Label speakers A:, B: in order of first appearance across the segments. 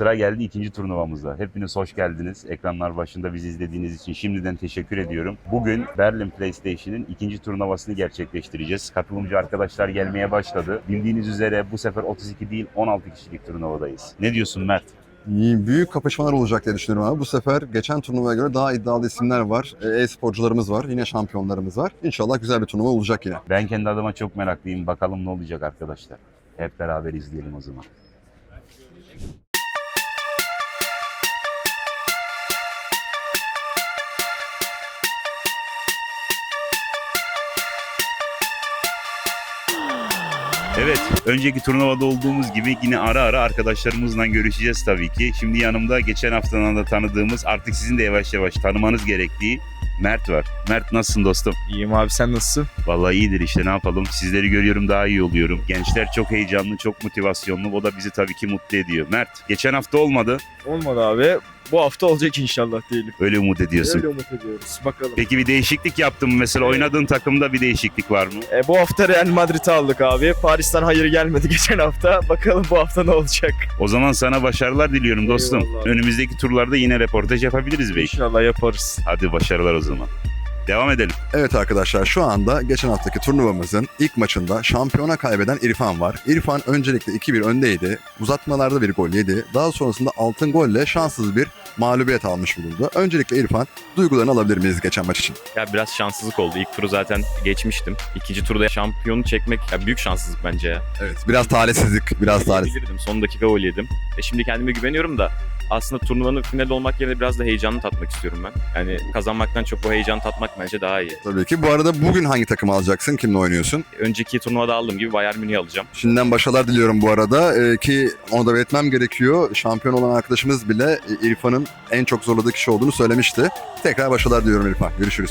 A: sıra geldi ikinci turnuvamızda. Hepiniz hoş geldiniz. Ekranlar başında bizi izlediğiniz için şimdiden teşekkür ediyorum. Bugün Berlin PlayStation'ın ikinci turnuvasını gerçekleştireceğiz. Katılımcı arkadaşlar gelmeye başladı. Bildiğiniz üzere bu sefer 32 değil 16 kişilik turnuvadayız. Ne diyorsun Mert?
B: Büyük kapışmalar olacak diye düşünüyorum abi. Bu sefer geçen turnuvaya göre daha iddialı isimler var. E-sporcularımız var. Yine şampiyonlarımız var. İnşallah güzel bir turnuva olacak yine.
A: Ben kendi adıma çok meraklıyım. Bakalım ne olacak arkadaşlar. Hep beraber izleyelim o zaman. Evet, önceki turnuvada olduğumuz gibi yine ara ara arkadaşlarımızla görüşeceğiz tabii ki. Şimdi yanımda geçen haftadan da tanıdığımız, artık sizin de yavaş yavaş tanımanız gerektiği Mert var. Mert, nasılsın dostum?
C: İyiyim abi, sen nasılsın?
A: Vallahi iyidir işte, ne yapalım. Sizleri görüyorum, daha iyi oluyorum. Gençler çok heyecanlı, çok motivasyonlu. O da bizi tabii ki mutlu ediyor. Mert, geçen hafta olmadı.
C: Olmadı abi. Bu hafta olacak inşallah diyelim.
A: Öyle umut ediyorsun.
C: Öyle umut ediyoruz. Bakalım.
A: Peki bir değişiklik yaptın mı? Mesela oynadığın takımda bir değişiklik var mı?
C: Bu hafta Real Madrid'i aldık abi. Paris'ten hayır gelmedi geçen hafta. Bakalım bu hafta ne olacak?
A: O zaman sana başarılar diliyorum dostum.
C: Eyvallah.
A: Önümüzdeki turlarda yine reportaj yapabiliriz belki.
C: İnşallah yaparız.
A: Hadi başarılar o zaman. Devam edelim.
B: Evet arkadaşlar, şu anda geçen haftaki turnuvamızın ilk maçında şampiyona kaybeden İrfan var. İrfan öncelikle 2-1 öndeydi. Uzatmalarda bir gol yedi. Daha sonrasında altın golle şanssız bir mağlubiyet almış bulundu. Öncelikle İrfan, duygularını alabilir miyiz geçen maç için?
D: Ya biraz şanssızlık oldu. İlk turu zaten geçmiştim. İkinci turda şampiyonu çekmek ya büyük şanssızlık bence ya.
B: Evet, biraz talihsizlik, biraz talihsizlik.
D: Bilirdim. Son dakika gol yedim. Şimdi kendime güveniyorum da aslında turnuvanın finali olmak yerine biraz da heyecanını tatmak istiyorum ben. Yani kazanmaktan çok bu heyecanı tatmak bence daha iyi.
B: Tabii ki. Bu arada bugün hangi takımı alacaksın? Kimle oynuyorsun?
D: Önceki turnuvada aldığım gibi Bayern Münih'i alacağım.
B: Şimdiden başarılar diliyorum bu arada. Ki onu da belirtmem gerekiyor. Şampiyon olan arkadaşımız bile İrfan'ın en çok zorladığı kişi olduğunu söylemişti. Tekrar başarılar diliyorum İrfan. Görüşürüz.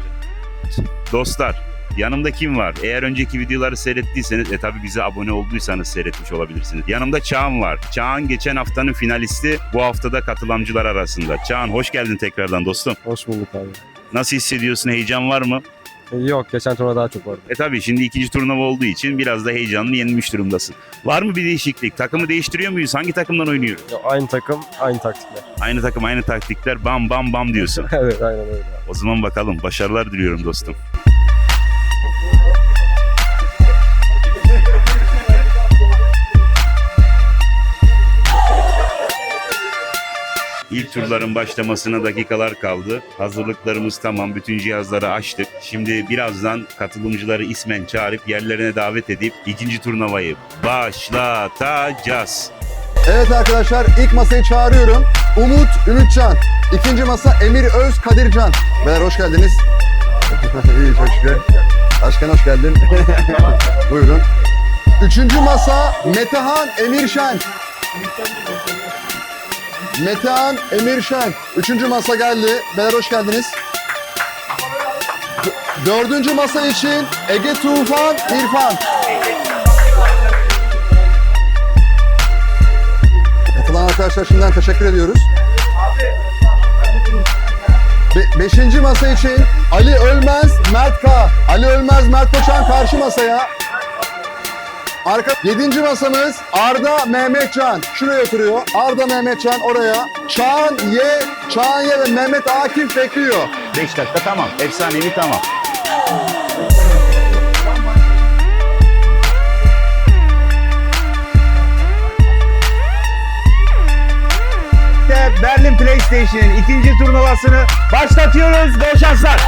A: Dostlar, yanımda kim var? Eğer önceki videoları seyrettiyseniz, tabii bize abone olduysanız seyretmiş olabilirsiniz. Yanımda Çağan var. Çağan geçen haftanın finalisti, bu haftada katılamcılar arasında. Çağan, hoş geldin tekrardan dostum.
E: Hoş bulduk abi.
A: Nasıl hissediyorsun? Heyecan var mı?
E: Yok, geçen turnuva daha çok vardı.
A: Tabii şimdi ikinci turnuva olduğu için biraz da heyecanlı, yenilmiş durumdasın. Var mı bir değişiklik? Takımı değiştiriyor muyuz? Hangi takımdan oynuyoruz?
E: Aynı takım, aynı taktikler.
A: Aynı takım, aynı taktikler, bam bam bam diyorsun.
E: Evet, aynen öyle.
A: O zaman bakalım. Başarılar diliyorum dostum. İlk turların başlamasına dakikalar kaldı. Hazırlıklarımız tamam. Bütün cihazları açtık. Şimdi birazdan katılımcıları ismen çağırıp yerlerine davet edip ikinci turnuvayı başlatacağız.
B: Evet arkadaşlar, ilk masayı çağırıyorum. Umut Ümitcan. İkinci masa Emir Öz Kadircan. Beyler hoş geldiniz. İyi, çok şükür. Başkan hoş geldin. Buyurun. Üçüncü masa Metehan Emirşen. Metehan Emirşen. Üçüncü masa geldi. Beyler hoş geldiniz. Dördüncü masa için Ege Tufan İrfan. Katılan arkadaşlar şimdiden teşekkür ediyoruz. Beşinci masa için Ali Ölmez Mert K. Ali Ölmez Mert Koçan karşı masaya. Yedinci masamız Arda Mehmetcan. Şuraya oturuyor. Arda Mehmetcan oraya. Çağan Y ve Mehmet Akif bekliyor.
A: 5 dakika tamam. Efsanevi tamam. Berlin PlayStation'ın ikinci turnuvasını başlatıyoruz. Bol şanslar.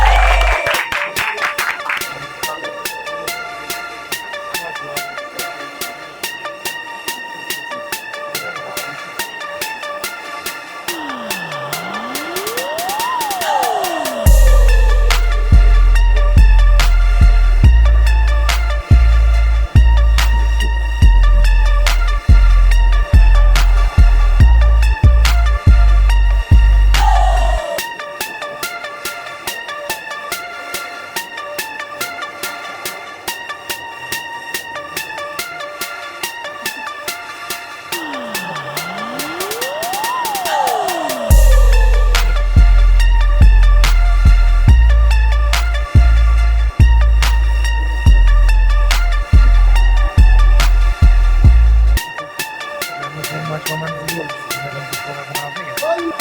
F: açmamanız iyi olur. Sizlerin bu fotoğrafını aldın ya.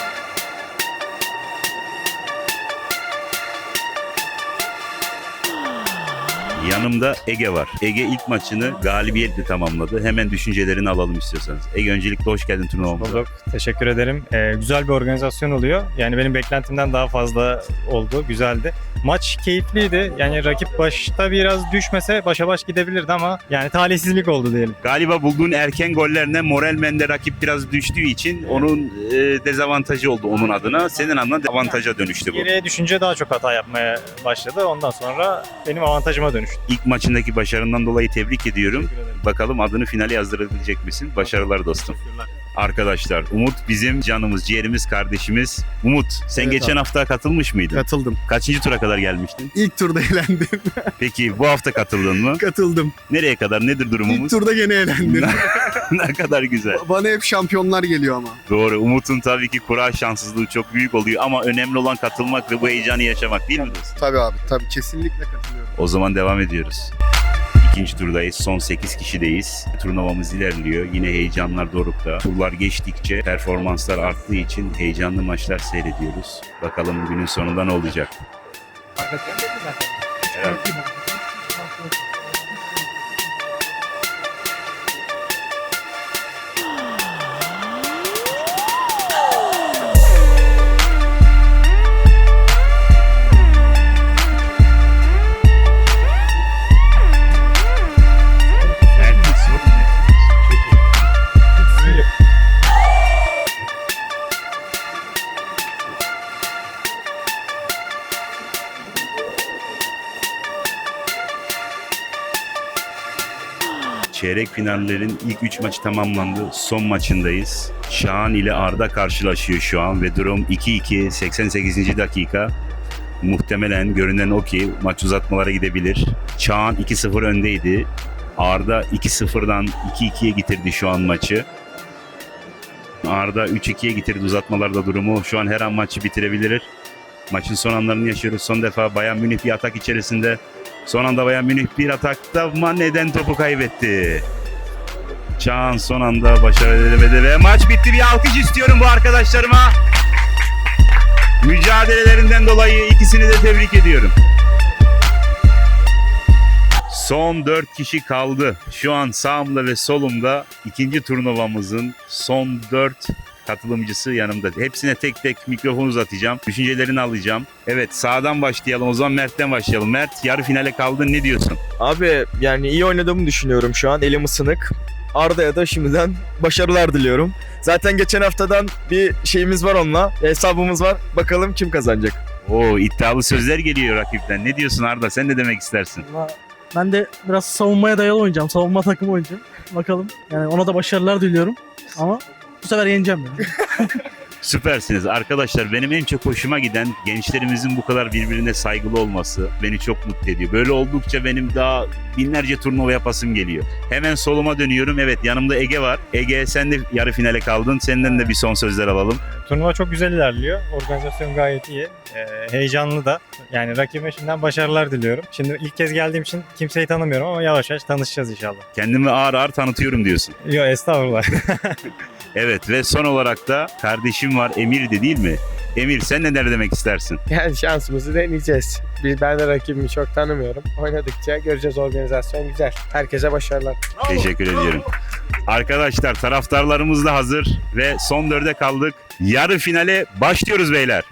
A: Yanımda Ege var. Ege ilk maçını galibiyetle tamamladı. Hemen düşüncelerini alalım istiyorsanız. Ege öncelikle hoş geldin turnuvamıza.
G: Bulduk. Teşekkür ederim. Güzel bir organizasyon oluyor. Yani benim beklentimden daha fazla oldu. Güzeldi. Maç keyifliydi. Yani rakip başta biraz düşmese başa baş gidebilirdi ama yani talihsizlik oldu diyelim.
A: Galiba bulduğun erken gollerine moralmente rakip biraz düştüğü için onun dezavantajı oldu onun adına. Senin adına avantaja dönüştü bu.
G: Geriye düşünce daha çok hata yapmaya başladı. Ondan sonra benim avantajıma dönüştü.
A: İlk maçındaki başarından dolayı tebrik ediyorum.
G: Teşekkür ederim.
A: Bakalım adını finale yazdırabilecek misin? Başarılar dostum.
G: Teşekkürler.
A: Arkadaşlar Umut bizim canımız, ciğerimiz, kardeşimiz. Umut sen
H: Evet
A: geçen
H: abi.
A: hafta katılmış mıydın?
H: Katıldım.
A: Kaçıncı tura kadar gelmiştin?
H: İlk turda elendim.
A: Peki bu hafta katıldın mı?
H: Katıldım.
A: Nereye kadar? Nedir
H: İlk
A: durumumuz?
H: turda gene elendim.
A: Ne kadar güzel.
H: Bana hep şampiyonlar geliyor ama.
A: Doğru. Umut'un tabii ki kura şanssızlığı çok büyük oluyor ama önemli olan katılmak ve bu heyecanı yaşamak değil mi dostum?
H: Tabii abi, tabii kesinlikle katılıyorum.
A: O zaman devam ediyoruz. İkinci turdayız. Son 8 kişideyiz. Turnuvamız ilerliyor. Yine heyecanlar dorukta. Turlar geçtikçe performanslar arttığı için heyecanlı maçlar seyrediyoruz. Bakalım günün sonunda ne olacak? Evet. Çeyrek finallerin ilk 3 maçı tamamlandı. Son maçındayız. Şahan ile Arda karşılaşıyor şu an ve durum 2-2 88. dakika. Muhtemelen görünen o ki maç uzatmalara gidebilir. Çağan 2-0 öndeydi. Arda 2-0'dan 2-2'ye getirdi şu an maçı. Arda 3-2'ye getirdi uzatmalarda durumu. Şu an her an maçı bitirebilir. Maçın son anlarını yaşıyoruz. Son defa Bayern Münih bir atak içerisinde. Son anda Bayern Münih bir atakta Mane'den topu kaybetti. Çağan son anda başarı edemedi ve maç bitti. Bir alkış istiyorum bu arkadaşlarıma. Mücadelelerinden dolayı ikisini de tebrik ediyorum. Son 4 kişi kaldı. Şu an sağımda ve solumda ikinci turnuvamızın son 4 katılımcısı yanımda. Hepsine tek tek mikrofon uzatacağım. Düşüncelerini alacağım. Evet sağdan başlayalım. O zaman Mert'ten başlayalım. Mert yarı finale kaldın. Ne diyorsun?
C: Abi yani iyi oynadığımı düşünüyorum şu an. Elim ısınık. Arda'ya da şimdiden başarılar diliyorum. Zaten geçen haftadan bir şeyimiz var onunla. Hesabımız var. Bakalım kim kazanacak.
A: Oo iddialı sözler geliyor rakipten. Ne diyorsun Arda? Sen ne demek istersin?
F: Ben de biraz savunmaya dayalı oynayacağım. Savunma takımı oynayacağım. Bakalım. Yani ona da başarılar diliyorum. Ama bu sefer yeneceğim yani.
A: Süpersiniz arkadaşlar. Benim en çok hoşuma giden gençlerimizin bu kadar birbirine saygılı olması beni çok mutlu ediyor. Böyle oldukça benim daha binlerce turnuva yapasım geliyor. Hemen soluma dönüyorum. Evet yanımda Ege var. Ege sen de yarı finale kaldın. Senden de bir son sözler alalım.
G: Turnuva çok güzel ilerliyor. Organizasyon gayet iyi. Heyecanlı da. Yani rakibime şimdiden başarılar diliyorum. Şimdi ilk kez geldiğim için kimseyi tanımıyorum ama yavaş yavaş tanışacağız inşallah.
A: Kendimi ağır ağır tanıtıyorum diyorsun.
G: Yok estağfurullah.
A: Evet ve son olarak da kardeşim var Emir de değil mi? Emir sen neler demek istersin?
I: Yani şansımızı deneyeceğiz. Ben de rakibimi çok tanımıyorum. Oynadıkça göreceğiz, organizasyon güzel. Herkese başarılar.
A: Teşekkür ediyorum. Arkadaşlar taraftarlarımız da hazır ve son 4'e kaldık. Yarı finale başlıyoruz beyler.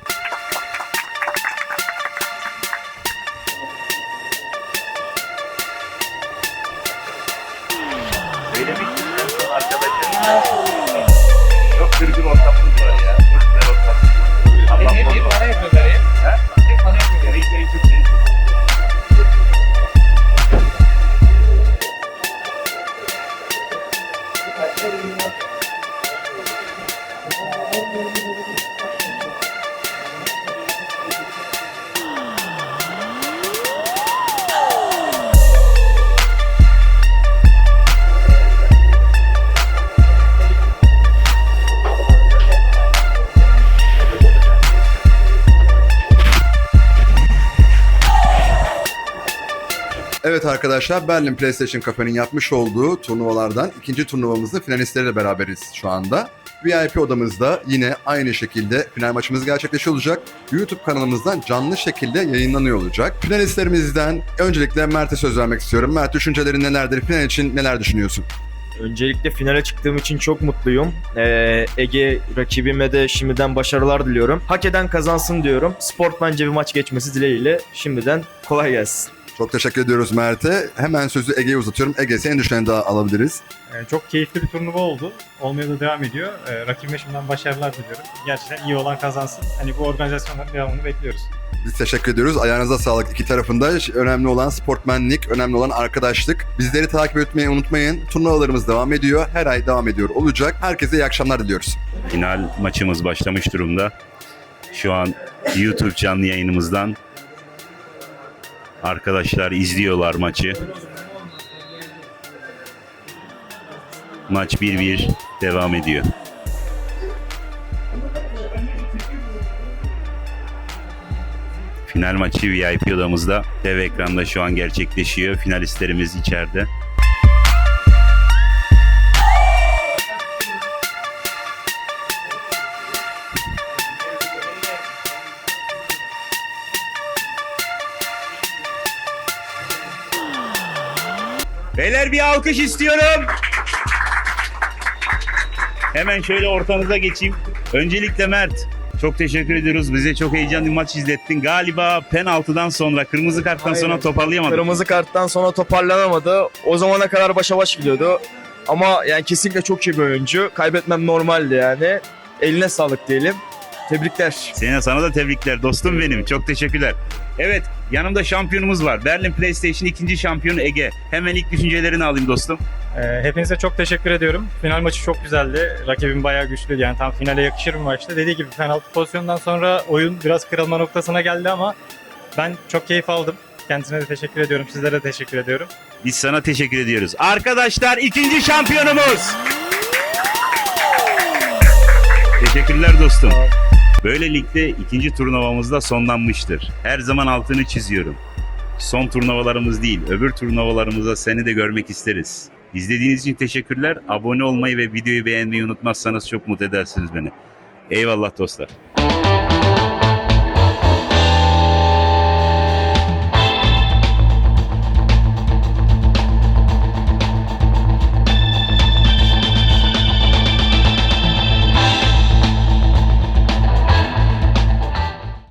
A: Çok kırgın ortamımız var ya. Çok güzel ortamımız var. Allah korusun.
F: Para yapıyorlar ya. Tek para yapıyorlar.
A: Emekleri çok seviyorum.
B: Evet Evet arkadaşlar, Berlin PlayStation Cafe'nin yapmış olduğu turnuvalardan ikinci turnuvamızda finalistleriyle beraberiz şu anda. VIP odamızda yine aynı şekilde final maçımız gerçekleşiyor olacak. YouTube kanalımızdan canlı şekilde yayınlanıyor olacak. Finalistlerimizden öncelikle Mert'e söz vermek istiyorum. Mert, düşüncelerin nelerdir? Final için neler düşünüyorsun?
C: Öncelikle finale çıktığım için çok mutluyum. Ege rakibime de şimdiden başarılar diliyorum. Hak eden kazansın diyorum. Sportmence bir maç geçmesi dileğiyle şimdiden kolay gelsin.
B: Çok teşekkür ediyoruz Mert'e. Hemen sözü Ege'ye uzatıyorum. Ege, senin düşüncelerini daha alabiliriz.
G: Çok keyifli bir turnuva oldu. Olmaya da devam ediyor. Rakibime şimdiden başarılar diliyorum. Gerçekten iyi olan kazansın. Hani bu organizasyonların devamını bekliyoruz.
B: Biz teşekkür ediyoruz. Ayağınıza sağlık iki tarafında. Önemli olan sportmenlik, önemli olan arkadaşlık. Bizleri takip etmeyi unutmayın. Turnuvalarımız devam ediyor. Her ay devam ediyor olacak. Herkese iyi akşamlar diliyoruz.
A: Final maçımız başlamış durumda. Şu an YouTube canlı yayınımızdan arkadaşlar izliyorlar maçı. Maç 1-1 devam ediyor. Final maçı VIP odamızda dev ekranda şu an gerçekleşiyor. Finalistlerimiz içeride. Beyler bir alkış istiyorum. Hemen şöyle ortanıza geçeyim. Öncelikle Mert, çok teşekkür ediyoruz. Bize çok heyecanlı bir maç izlettin. Galiba penaltıdan sonra, kırmızı karttan sonra
C: Aynen.
A: toparlayamadın.
C: Kırmızı karttan sonra toparlanamadı. O zamana kadar başa baş gidiyordu. Ama yani kesinlikle çok iyi bir oyuncu. Kaybetmem normaldi yani. Eline sağlık diyelim. Tebrikler.
A: Sana da tebrikler dostum benim. Çok teşekkürler. Evet, yanımda şampiyonumuz var. Berlin PlayStation 2. şampiyonu Ege. Hemen ilk düşüncelerini alayım dostum.
G: Hepinize çok teşekkür ediyorum. Final maçı çok güzeldi. Rakibim bayağı güçlüydü. Yani tam finale yakışır bir maçtı. Dediği gibi penaltı pozisyonundan sonra oyun biraz kırılma noktasına geldi ama ben çok keyif aldım. Kendisine de teşekkür ediyorum. Sizlere de teşekkür ediyorum.
A: Biz sana teşekkür ediyoruz. Arkadaşlar, ikinci şampiyonumuz. Teşekkürler dostum. Böylelikle ikinci turnuvamız da sonlanmıştır. Her zaman altını çiziyorum. Son turnuvalarımız değil, öbür turnuvalarımızda seni de görmek isteriz. İzlediğiniz için teşekkürler. Abone olmayı ve videoyu beğenmeyi unutmazsanız çok mutlu edersiniz beni. Eyvallah dostlar.